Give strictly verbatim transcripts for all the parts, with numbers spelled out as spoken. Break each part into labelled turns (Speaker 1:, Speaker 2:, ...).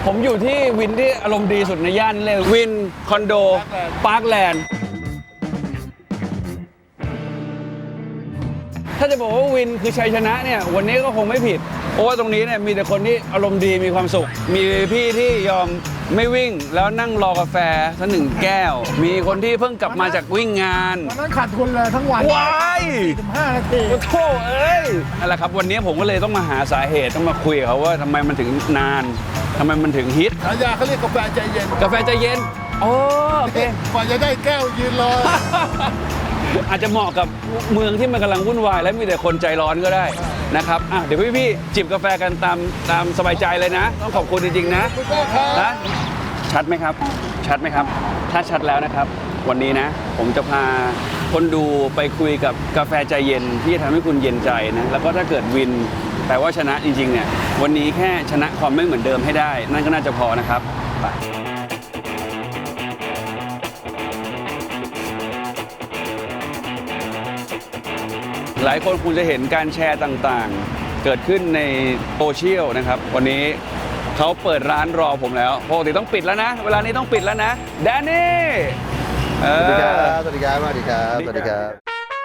Speaker 1: ผมอยู่ที่วินที่อารมณ์ดีสุดในย่านเลยวินคอนโดปาร์คแลนด์ถ้าจะบอกว่าวินคือชัยชนะเนี่ยวันนี้ก็คงไม่ผิดเพราะว่าตรงนี้เนี่ยมีแต่คนที่อารมณ์ดีมีความสุขมีพี่ที่ยอมไม่วิ่งแล้วนั่งรอกาแฟสักหนึ่งแก้วมีคนที่เพิ่งกลับมาจากวิ่งงาน
Speaker 2: วันนั้นขาดทุนเลยทั้งวัน
Speaker 1: ว้าย
Speaker 2: สิบห้านาที
Speaker 1: โอ้โหเอ้ยนั่นแหละครับวันนี้ผมก็เลยต้องมาหาสาเหตุต้องมาคุยกับเขาว่าทำไมมันถึงนานทำไมมันถึงฮิต
Speaker 2: ฉายาเขาเรียกกาแฟใจเย็น
Speaker 1: กาแฟใจเย็นโอเค
Speaker 2: กว่าจะได้แก้วยืนรอ
Speaker 1: อาจจะเหมาะกับเมืองที่มันกำลังวุ่นวายและมีแต่คนใจร้อนก็ได้นะครับอ่ะเดี๋ยวพี่ๆจิบกาแฟกันตามตามสบายใจเลยนะต้องขอบคุณจริงๆนะนะชัดไหมครับชัดไหมครับถ้าชัดแล้วนะครับวันนี้นะผมจะพาคนดูไปคุยกับกาแฟใจเย็นที่ทำให้คุณเย็นใจนะแล้วก็ถ้าเกิดวินแปลว่าชนะจริงๆเนี่ยวันนี้แค่ชนะความไม่เหมือนเดิมให้ได้นั่นก็น่าจะพอนะครับไปหลายคนคงจะเห็นการแชร์ต่างๆเกิดขึ้นในโซเชียลนะครับวันนี้เขาเปิดร้านรอผมแล้วปกติต้องปิดแล้วนะเวลานี้ต้องปิดแล้วนะแดนนี่
Speaker 3: สวัสดีครับสวัสดีครับสวัสดีครับสวัสดีครับ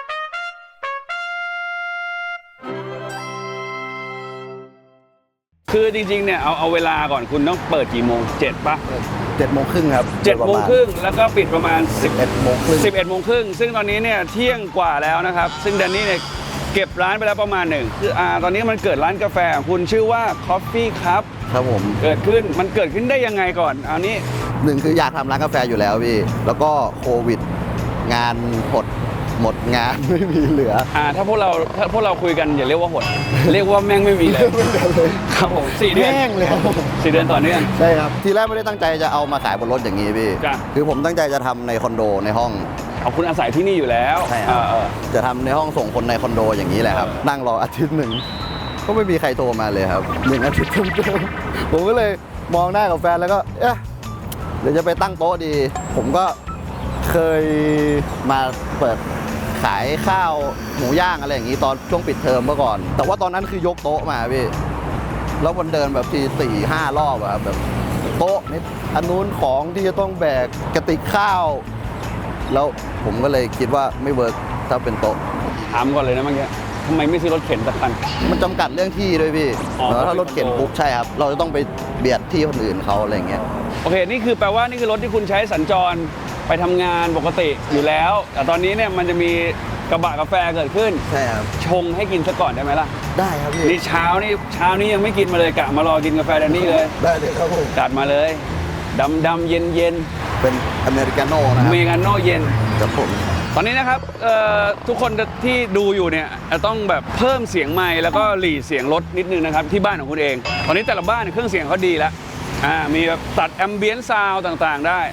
Speaker 1: คือจริงๆเนี่ยเอาเอาเวลาก่อนคุณต้องเปิดกี่โมงเจ็ดป่ะ
Speaker 3: เจ็ดโมงครึ่งครับ
Speaker 1: เจ็ดโมงครึ่งแล้วก็ปิดประมาณ
Speaker 3: สิบเอ็ดโมงครึ่ง
Speaker 1: สิบเอ็ดโมงครึ่งซึ่งตอนนี้เนี่ยเที่ยงกว่าแล้วนะครับซึ่งแดนนี่เนี่ยเก็บร้านไปแล้วประมาณหนึ่งคืออ่าตอนนี้มันเกิดร้านกาแฟของคุณชื่อว่า Coffee Cup
Speaker 3: ครับผม
Speaker 1: เกิดขึ้นมันเกิดขึ้นได้ยังไงก่อนเอานี้
Speaker 3: หนึ่งคืออยากทำร้านกาแฟอยู่แล้วพี่แล้วก็โควิดงานหดหมดงานไม่มีเหลือ
Speaker 1: อ่าถ้าพวกเราถ้าพวกเราคุยกันอย่าเรียกว่าหด เรียกว่าแม่งไม่มีเลยครับผมสี่เดือน
Speaker 3: แม่งเลย
Speaker 1: สี่เดือนต่อเนื่อง
Speaker 3: ใช่ครับทีแรกไม่ได้ตั้งใจจะเอามาขายบนรถอย่างนี้พี่คือผมตั้งใจจะทำในคอนโดในห้อง
Speaker 1: เอาคุณอาศัยที่นี่อยู่แล้ว
Speaker 3: ใช่ครับจะทำในห้องส่งคนในคอนโดอย่างนี้แหละครับนั่งรออาทิตย์หนึ่งก็ไม่มีใครโทรมาเลยครับหนึ่งอาทิตย์เต็มๆผมก็เลยมองหน้ากับแฟนแล้วก็เอ๊ะเดี๋ยวจะไปตั้งโต๊ะดีผมก็เคยมาเปิดขายข้าวหมูย่างอะไรอย่างนี้ตอนช่วงปิดเทอมเมื่อก่อนแต่ว่าตอนนั้นคือยกโต๊ะมาพี่แล้วมันเดินแบบทีสี่ห้ารอบอะแบบโต๊ะนี่อันนู้นของที่จะต้องแบกกระติกข้าวแล้วผมก็เลยคิดว่าไม่เวิร์กถ้าเป็นโต๊ะ
Speaker 1: ถามก่อนเลยนะเมื่อกี้ทำไมไม่ซื้อรถเข็นสักคัน
Speaker 3: มันจำกัดเรื่องที่ด้วยพี่แล้วถ้ารถเข็นปุ๊บใช่ครับเราจะต้องไปเบียดที่คนอื่นเขาอะไรเงี้ย
Speaker 1: โอเคนี่คือแปลว่านี่คือรถที่คุณใช้สัญจรไปทำงานปกติอยู่แล้วแต่ตอนนี้เนี่ยมันจะมีกระบะกาแฟเกิดขึ้น
Speaker 3: ใช่ครับ
Speaker 1: ชงให้กินซะก่อนได้ไหมล่ะ
Speaker 3: ได้ครับพี่
Speaker 1: นี่เช้านี่เช้านี้ยังไม่กินมาเลยกะมารอกินกาแฟแดนนี่เลย
Speaker 3: ได้เลยครับผม
Speaker 1: จัดมาเลยดำดำเย็นเย็น
Speaker 3: เป็นอเมริกาโน่นะครับ
Speaker 1: อเมริกาโน่เย็น
Speaker 3: ครับผม
Speaker 1: ตอนนี้นะครับทุกคนที่ดูอยู่เนี่ยจะต้องแบบเพิ่มเสียงไมค์แล้วก็หลีเสียงรถนิดนึงนะครับที่บ้านของคุณเองตอนนี้แต่ละบ้านเครื่องเสียงเขาดีแล้วอ่ามีแบบตัดแอมเบียนซ์ซาวด์ต่างๆได้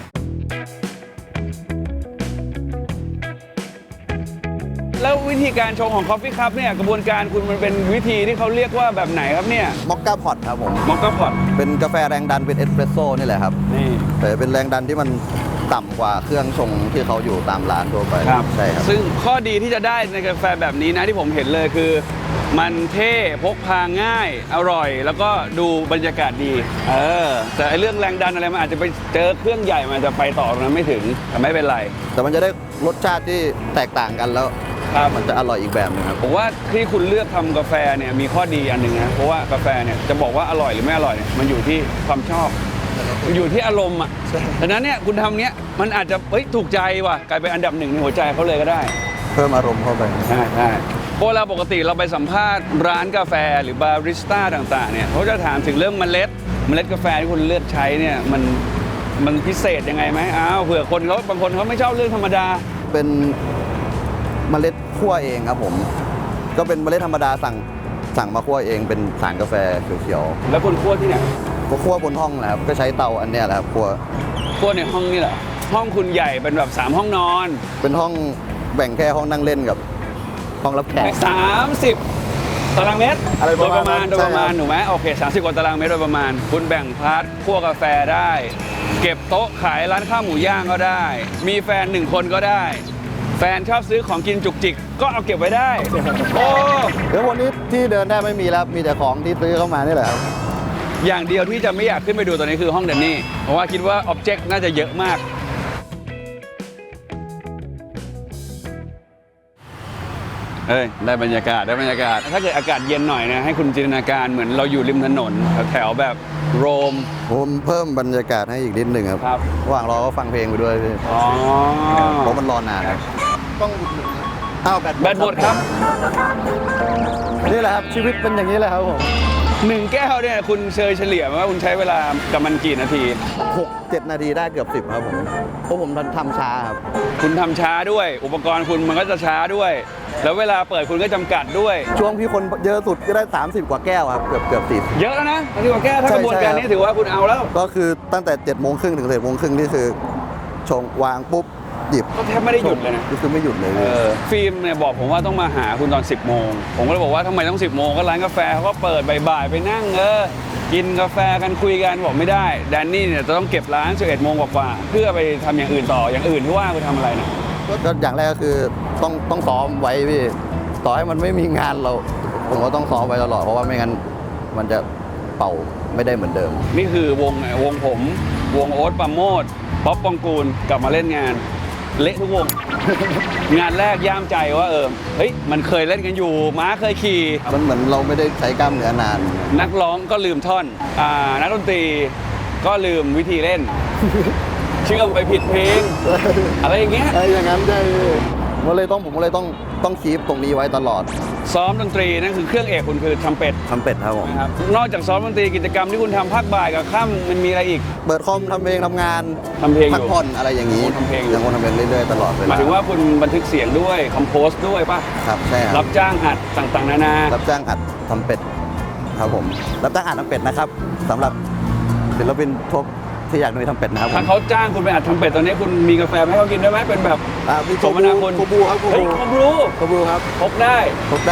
Speaker 1: แล้ววิธีการชงของ Coffee Cup เนี่ยกระบวนการคุณมันเป็นวิธีที่เขาเรียกว่าแบบไหนครับเนี่ย
Speaker 3: มอคค่าพอตครับผม
Speaker 1: มอคค่าพอต
Speaker 3: เป็นกาแฟแรงดันเป็นเอสเปรสโซ่นี่แหละครับ
Speaker 1: นี่
Speaker 3: แต่เป็นแรงดันที่มันต่ำกว่าเครื่องชงที่เขาอยู่ตามร้านทั่วไป
Speaker 1: ครับใช่ครับซึ่งข้อดีที่จะได้ในกาแฟแบบนี้นะที่ผมเห็นเลยคือมันเท่พกพาง่ายอร่อยแล้วก็ดูบรรยากาศดีเออแต่ไอเรื่องแรงดันอะไรมันอาจจะไปเจอเครื่องใหญ่มันจะไปต่อตรงนั้นไม่ถึงแต่ไม่เป็นไร
Speaker 3: แต่มันจะได้รสชาติที่แตกต่างกันแล้วมันจะอร่อยอีกแบบนึงครับ
Speaker 1: ผมว่าที่คุณเลือกทำกาแฟเนี่ยมีข้อดีอันหนึ่งนะเพราะว่ากาแฟเนี่ยจะบอกว่าอร่อยหรือไม่อร่อยเนี่ยมันอยู่ที่ความชอบมันอยู่ที่อารมณ์อ่ะดังนั้นเนี่ยคุณทำเนี้ยมันอาจจะเฮ้ยถูกใจว่ะกลายเป็นอันดับหนึ่งในหัวใจเขาเลยก็ได้
Speaker 3: เพิ่มอารมณ์เข้าไป
Speaker 1: ใช่ใช่เพราะเราปกติเราไปสัมภาษณ์ร้านกาแฟหรือบาริสต้าต่างๆเนี่ยเขาจะถามถึงเรื่องเมล็ดเมล็ดกาแฟที่คุณเลือกใช้เนี่ยมันมันพิเศษยังไงไหมอ้าวเผื่อคนเขาบางคนเขาไม่ชอบเรื่องธรรมดา
Speaker 3: เป็นเมล็ดคั่วเองครับผมก็เป็นเมล็ดธรรมดาสั่งสั่งมาคั่วเองเป็นสารกาแฟเขียว
Speaker 1: ๆแล้วคุณคั่วที่ไหน
Speaker 3: ก็คั่วบนห้องนะครับก็ใช้เตาอันเนี้ยแหละครับคั่ว
Speaker 1: คั่วในห้องนี่เหรอห้องคุณใหญ่เป็นแบบสามห้องนอน
Speaker 3: เป็นห้องแบ่งแค่ห้องนั่งเล่นกับห้องรับแขก
Speaker 1: สามสิบตารางเมตร
Speaker 3: โดย
Speaker 1: ประมาณโดยประมาณถูกไหมโอเคสามสิบกว่าตารางเมตรโดยประมาณคุณแบ่งพาร์ทคั่วกาแฟได้เก็บโต๊ะขายร้านข้าวหมูย่างก็ได้มีแฟนหนึ่งคนก็ได้แฟนชอบซื้อของกินจุกจิกก็เอาเก็บไว้ได้โอ้
Speaker 3: เดี๋ยววันนี้ที่เดินได้ไม่มีแล้วมีแต่ของที่ซื้อเข้ามานี่แหละครับ
Speaker 1: อย่างเดียวที่จะไม่อยากขึ้นไปดูตอนนี้คือห้องแดนนี่เพราะว่าคิดว่าอ็อบเจกต์น่าจะเยอะมากเอ้ยได้บรรยากาศได้บรรยากาศถ้าเกิดอากาศเย็นหน่อยนะให้คุณจินตนาการเหมือนเราอยู่ริมถนนแถวๆแบบโรม
Speaker 3: ผมเพิ่มบรรยากาศให้อีกนิดหนึ่งครับ
Speaker 1: ครับ
Speaker 3: ระหว่างรอก็ฟังเพลงไปด้วยพี่
Speaker 1: อ๋อ
Speaker 3: เพราะมันรอนานครับ
Speaker 2: ต้องอุดหนุนนะ
Speaker 3: อ้าวแบต
Speaker 1: แบตหมดครับ
Speaker 3: นี่แหละครับชีวิตเป็นอย่างนี้แหละครับผม
Speaker 1: หนึ่งแก้วเนี่ยคุณเชยเฉลี่ยว่าคุณใช้เวลากับมันกี่นาที
Speaker 3: หกเจ็ดนาทีได้เกือบสิบครับผมเพราะผมทำช้าครับ
Speaker 1: คุณทำช้าด้วย อุปกรณ์คุณมันก็จะช้าด้วย แล้วเวลาเปิดคุณก็จำกัดด้วย
Speaker 3: ช่วงที่คนเยอะสุดก็ได้ สามสิบ กว่าแก้วครับ เกือบเกือบสิบ
Speaker 1: เยอะแล้วนะที่ว่าแก้วถ้ากระบวนการนี้ถือว่าคุณเอาแล้ว
Speaker 3: ก็คือตั้งแต่7จ็ดโมงครึ่งถึงสิบเอ็ดโมงครึ่งนี่คือชงวางปุ๊บหยิบ
Speaker 1: ก็แทบไม่ได้หยุดเลยนะ
Speaker 3: คือไม่หยุดเลย
Speaker 1: เออฟิล์มเนี่ยบอกผมว่าต้องมาหาคุณตอน สิบโมงผมก็เลยบอกว่าทำไมต้อง สิบโมงก็ร้านกาแฟเขาก็เปิดบ่ายๆไปนั่งเออกินกาแฟกันคุยกันบอกไม่ได้แดนนี่เนี่ยจะต้องเก็บร้านสิบเอ็ดโมงกว่าๆเพื่อไปทำอย่างอื่นต่ออย่างอื่นที่ว่าไปทำอะไรนะ
Speaker 3: ก็อย่างแรกก็คือต้องต้องซ้อมไว้พี่ต่อให้มันไม่มีงานเรา ผมก็ต้องซ้อมไว้ตลอดเพราะว่าไม่งั้นมันจะเป่าไม่ได้เหมือนเดิม
Speaker 1: นี่คือวงวงผม วงโอ๊ตปราโมดป๊อปปองกูลกลับมาเล่นงาน เละทุกวง งานแรกย่ามใจว่าเออเฮ้ยมันเคยเล่นกันอยู่ม้าเคยขี่
Speaker 3: มันเหมือนเราไม่ได้ใช้กล้ามเนื้อนาน
Speaker 1: นักร้องก็ลืมท่อนอ่านักดนตรีก็ลืมวิธีเล่น เชื่อมไปผิดเพลง อะไรอย่างเงี้ย
Speaker 3: ไอ้อย่างนั้นใช่ผมก็เลยต้องผมก็เลยต้องต้องคีปตรงนี้ไว้ตลอด
Speaker 1: ซ้อมดนตรีนั่นคือเครื่องเอกคุณคือทำเป็ด
Speaker 3: ทำเป็ดครับผม
Speaker 1: นะครับนอกจากซ้อมดนตรีกิจกรรมที่คุณทำภาคบ่ายกับค่ำมันมีอะไรอีก
Speaker 3: เปิดคอมทำเพลงทำงาน
Speaker 1: ทำเพลงอยู่
Speaker 3: พักผ่อนอะไรอย่างนี้
Speaker 1: ทำเพลงอยู่
Speaker 3: ยังคงทำเพลงเรื่อยๆตลอดเว
Speaker 1: หมา
Speaker 3: ลาย
Speaker 1: ถึงว่าคุณบันทึกเสียงด้วยคอมโพสด้วยป่ะ
Speaker 3: ครับใช่ค
Speaker 1: รั
Speaker 3: รับบ
Speaker 1: จ้างอัดต่างๆนานา
Speaker 3: รับจ้างอัดทำเป็ดครับผมรับจ้างอัดทำเป็ดนะครับสำหรับศิลปินทั่วที่อยากมีทำเป็ดนะครับผ
Speaker 1: ถ้าม เขาจ้างคุณไปอัดทำเป็ดตอนนี้คุณมีกาแฟให้เขากินได้ไหมเป็นแบบ
Speaker 3: อ่ามี
Speaker 1: สมนาคุณ
Speaker 3: โคบูครับโค
Speaker 1: เฮ้ย
Speaker 3: บู
Speaker 1: คอมรู้
Speaker 3: โคบูครับ
Speaker 1: พกได้
Speaker 3: พบได้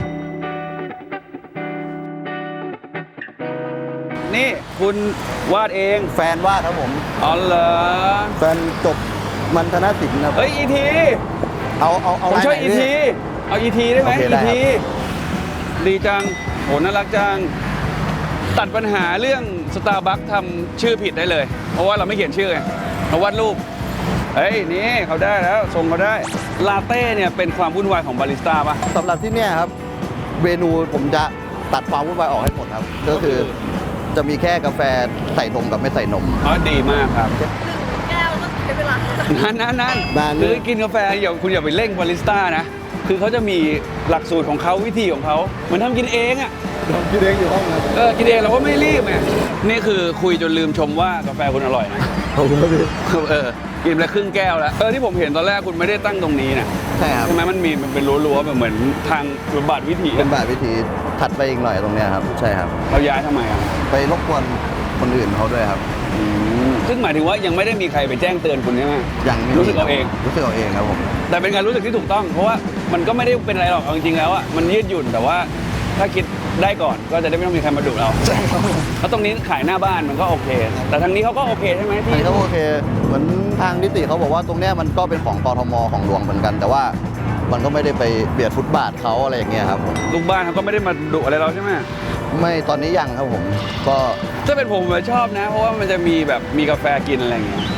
Speaker 1: นี่คุณวาดเอง
Speaker 3: แฟนวาดครับผม
Speaker 1: อ๋อเหรอ
Speaker 3: แฟนจบมันธนศิลป์ครับ
Speaker 1: เฮ้ยอีที
Speaker 3: เอาเอาเอา
Speaker 1: ผมช่วย
Speaker 3: ลา
Speaker 1: อี
Speaker 3: ไหน
Speaker 1: ทีเอาอีทีได้ไหม
Speaker 3: โอเค
Speaker 1: อี
Speaker 3: ได้ครับ
Speaker 1: ทีดีจังโหน่ารักจังตัดปัญหาเรื่องสตาร์บัคทำชื่อผิดได้เลย เพราะว่าเราไม่เขียนชื่อไงเราวาดรูปเฮ้ยนี่เขาได้แล้วทรงเขาได้ลาเต้เนี่ยเป็นความวุ่นวายของบาริสต้าปะ
Speaker 3: สำหรับที่เนี่ยครับเมนูผมจะตัดความวุ่นวายออกให้หมดครับ ก็คือจะมีแค่กาแฟใส่นมกับไม่ใส่นม
Speaker 1: อ๋อดีมากครับ
Speaker 4: แก้วต้องใช้เวลา
Speaker 1: นั่นนั่นนั่น
Speaker 3: นานเลย
Speaker 1: คือกินกาแฟอย่าคุณอย่าไปเร่งบาริสต้านะ คือเขาจะมีหลักสูตรของเขาวิธีของเขาเหมือนทำกินเองอ่ะ
Speaker 3: พี่เล้งอยู่ห้องครับ
Speaker 1: เออกินเองเราก็ไม่รีบไงนี่คือคุยจนลืมชมว่ากาแฟคุณอร่อยนะ
Speaker 3: ขอบคุณครับพี่
Speaker 1: เออกินไปครึ่งแก้วแล้วเออที่ผมเห็นตอนแรกคุณไม่ได้ตั้งตรงนี้นะ
Speaker 3: ใช่ครับ
Speaker 1: ใช่ไหมมันมีมันเป็นรั้วๆแบบเหมือนทางบำบัดวิถี
Speaker 3: เป็นแบบวิธีถัดไปอีกหน่อยตรงเนี้ยครับ ใช่ครับ
Speaker 1: เราย้ายทำไมอ่ะ
Speaker 3: ไปรบกวนคนอื่นเขาด้วยครับ
Speaker 1: อืมซึ่งหมายถึงว่ายังไม่ได้มีใครไปแจ้งเตือนคุณใช่ไหม
Speaker 3: ยังไม่มี
Speaker 1: รู้สึกเอาเอง
Speaker 3: รู้สึกเอาเองครับผม
Speaker 1: แต่เป็นการรู้สึกที่ถูกต้อง เพราะว่ามันก็ไม่ได้เป็นอะไรหรอกเอาจริงๆแล้วอ่ะมันยืดหยุ่นแต่ว่าถ้าคิดได้ก่อนก็จะได้ไม่ต้องมีใครมาดุเราแล้วตรงนี้ขายหน้าบ้านมันก็โอเค แต่ทางนี้เขาก็โอเคใช่ไหม
Speaker 3: อัน
Speaker 1: ที่
Speaker 3: นี้เขาโอเค เหมือนทางนิติเขาบอกว่าตรงเนี้ยมันก็เป็นของกทมของหลวงเหมือนกัน แต่ว่ามันก็ไม่ได้ไปเบียดฟุตบาทเขาอะไรอย่างเงี้ยครับผม
Speaker 1: ลูกบ้านเขาก็ไม่ได้มาดุอะไรเราใช่ไหม
Speaker 3: ไม่ตอนนี้ยังครับผม ก็
Speaker 1: ถ้าเป็นผมผมชอบนะ เพราะว่ามันจะมีแบบมีกาแฟกินอะไรอย่างเงี้ย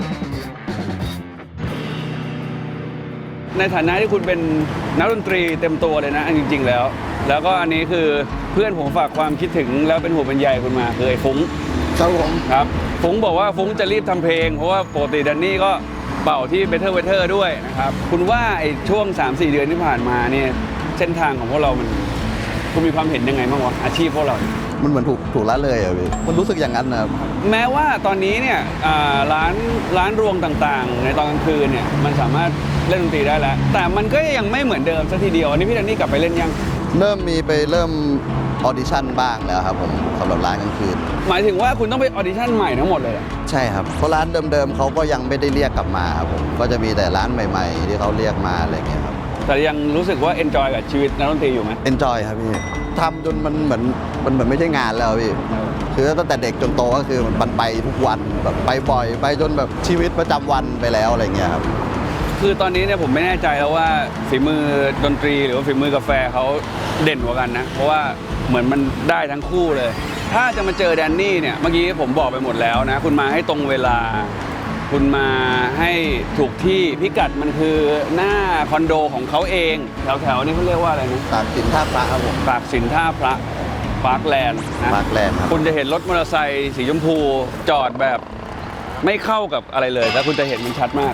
Speaker 1: ในฐานะที่คุณเป็นนักดนตรีเต็มตัวเลยนะอันจริง ๆ แล้ว แล้วก็อันนี้คือเพื่อนผมฝากความคิดถึงแล้วเป็นห่วงเป็นใยคุณมาคือไอ้ฟุ้ง
Speaker 3: ครับผม
Speaker 1: ครับฟุ้งบอกว่าฟุ้งจะรีบทำเพลง เพราะว่าปกติแดนนี่ก็เป่าที่ Better Weather ด้วยนะครับคุณว่าไอ้ช่วง สามสี่ เดือนที่ผ่านมาเนี่ยเส้นทางของพวกเรามันคุณมีความเห็นยังไงบ้างวะอาชีพพวกเรา
Speaker 3: มันเหมือนถูกถูกละเลยอ่ะพี่มันรู้สึกอย่างนั้นนะครับ
Speaker 1: แม้ว่าตอนนี้เนี่ยอ่าร้านร้านรวงต่างๆ ในตอนกลางคืนเนี่ยมันสามารถเล่นดนตรีได้แล้ว แต่มันก็ยังไม่เหมือนเดิมสักทีเดียวอันนี้พี่แดนนี่กลับไปเล่นยัง
Speaker 3: เริ่มมีไปเริ่มออดิชั่นบ้างแล้วครับผมสำหรับร้านกลางคืน
Speaker 1: หมายถึงว่าคุณต้องไปออดิชั่นใหม่ทั้งหมดเลยเหรอ
Speaker 3: ใช่ครับเพราะร้านเดิมๆเขาก็ยังไม่ได้เรียกกลับมาครับผมก็จะมีแต่ร้านใหม่ ๆ ที่เขาเรียกมาอะไรอย่างเงี้ยครับ
Speaker 1: แต่ยังรู้สึกว่าเอนจอยกับชีวิตนักดนตรีอยู่ไหม
Speaker 3: เอนจอยครับพี่ทำจนมันเหมือนมันเหมือนไม่ใช่งานแล้วพี่คือตั้งแต่เด็กจนโตก็คือมันไปทุกวันแบบไปบ่อย ไปจนแบบชีวิตประจำวันไปแล้วอะไรเงี้ยครับ
Speaker 1: คือตอนนี้เนี่ยผมไม่แน่ใจแล้วว่าฝีมือดนตรีหรือว่าฝีมือกาแฟเขาเด่นกว่ากันนะ เพราะว่าเหมือนมันได้ทั้งคู่เลยถ้าจะมาเจอแดนนี่เนี่ยเมื่อกี้ผมบอกไปหมดแล้วนะ คุณมาให้ตรงเวลา คุณมาให้ถูกที่พิกัดมันคือหน้าคอนโดของเขาเองแถวๆนี้เขาเรียกว่าอะไรนะ
Speaker 3: ตากสินท่าพระครับผม
Speaker 1: ปากสินท่าพระปาร์คแลนด์นะ
Speaker 3: ปาร์คแลนด์ครับ
Speaker 1: คุณจะเห็นรถมอเตอร์ไซค์สีชมพูจอดแบบไม่เข้ากับอะไรเลยแล้วคุณจะเห็นมันชัดมาก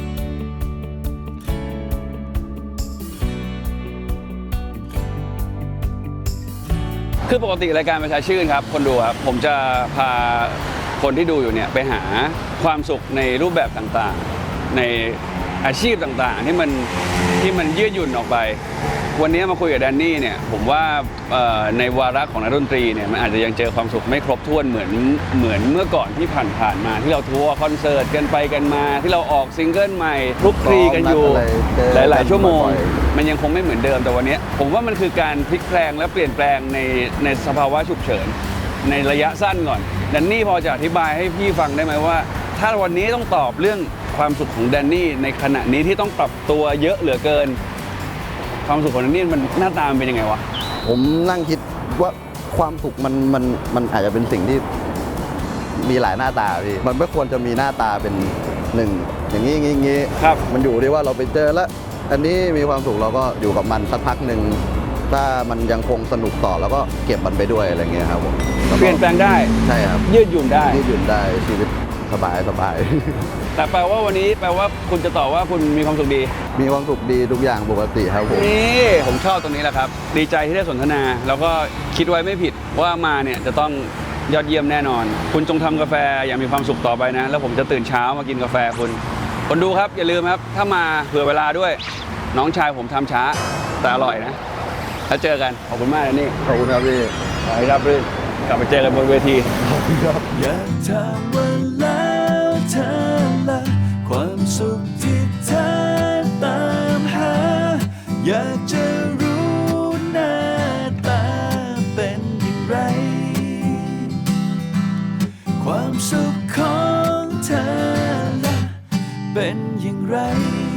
Speaker 1: คือปกติรายการประชาชื่นครับคนดูครับผมจะพาคนที่ดูอยู่เนี่ยไปหาความสุขในรูปแบบต่างๆ ในอาชีพต่างๆที่มันที่มันยืดหยุ่นออกไป วันนี้มาคุยกับแดนนี่เนี่ยผมว่าเอ่อในวาระของนักดนตรีเนี่ยมันอาจจะยังเจอความสุขไม่ครบถ้วนเหมือนเหมือนเมื่อก่อนที่ผ่านๆมาที่เราทัวร์คอนเสิร์ตกันไปกันมาที่เราออกซิงเกิลใหม่คลุกคลีกันอยู่หลายๆชั่วโมง มันยังคงไม่เหมือนเดิมแต่วันนี้ผมว่ามันคือการพลิกแปลงและเปลี่ยนแปลงในในสภาวะฉุกเฉินในระยะสั้นก่อนแดนนี่พอจะอธิบายให้พี่ฟังได้ไหมว่า ถ้าวันนี้ต้องตอบเรื่องความสุขของแดนนี่ในขณะนี้ที่ต้องปรับตัวเยอะเหลือเกิน ความสุขของแดนนี่มันหน้าตามันเป็นยังไงวะ
Speaker 3: ผมนั่งคิดว่าความสุขมันมันมันอาจจะเป็นสิ่งที่มีหลายหน้าตาพี่มันไม่ควรจะมีหน้าตาเป็นหนึ่งอย่างนี้อย่างนี้อย่างนี้
Speaker 1: ครับ
Speaker 3: มันอยู่ที่ว่าเราไปเจอแล้ว อันนี้มีความสุขเราก็อยู่กับมันสักพักหนึ่งถ้ามันยังคงสนุกต่อแล้วก็เก็บมันไปด้วยอะไรเงี้ยครับผมแล้วก็
Speaker 1: เปลี่ยนแปลงได้
Speaker 3: ใช่ครับ
Speaker 1: ยืดหยุ่นได้
Speaker 3: ยืดหยุ่นได้ชีวิตสบายสบาย
Speaker 1: แต่แปลว่าวันนี้แปลว่าคุณจะตอบว่าคุณมีความสุขดี
Speaker 3: มีความสุขดีทุกอย่างปกติครับผม
Speaker 1: นี่ผมชอบตรงนี้แหละครับ ดีใจที่ได้สนทนา แล้วก็คิดไว้ไม่ผิดว่ามาเนี่ยจะต้องยอดเยี่ยมแน่นอน คุณจงทำกาแฟอย่างมีความสุขต่อไปนะ แล้วผมจะตื่นเช้ามากินกาแฟคุณ คนดูครับอย่าลืมครับ ถ้ามาเผื่อเวลาด้วย น้องชายผมทำช้าแต่อร่อยนะ แล้วเจอกันขอบคุณมากนะนี่
Speaker 3: ขอบคุณครับพี่
Speaker 1: ขอให้รับรื่นกลับไปเจอกันบนเวที
Speaker 5: อยากถามว่าแล้วเธอละความสุขที่เธอตามหา อยากจะรู้หน้าตาเป็นอย่างไร ความสุขของเธอละเป็นอย่างไร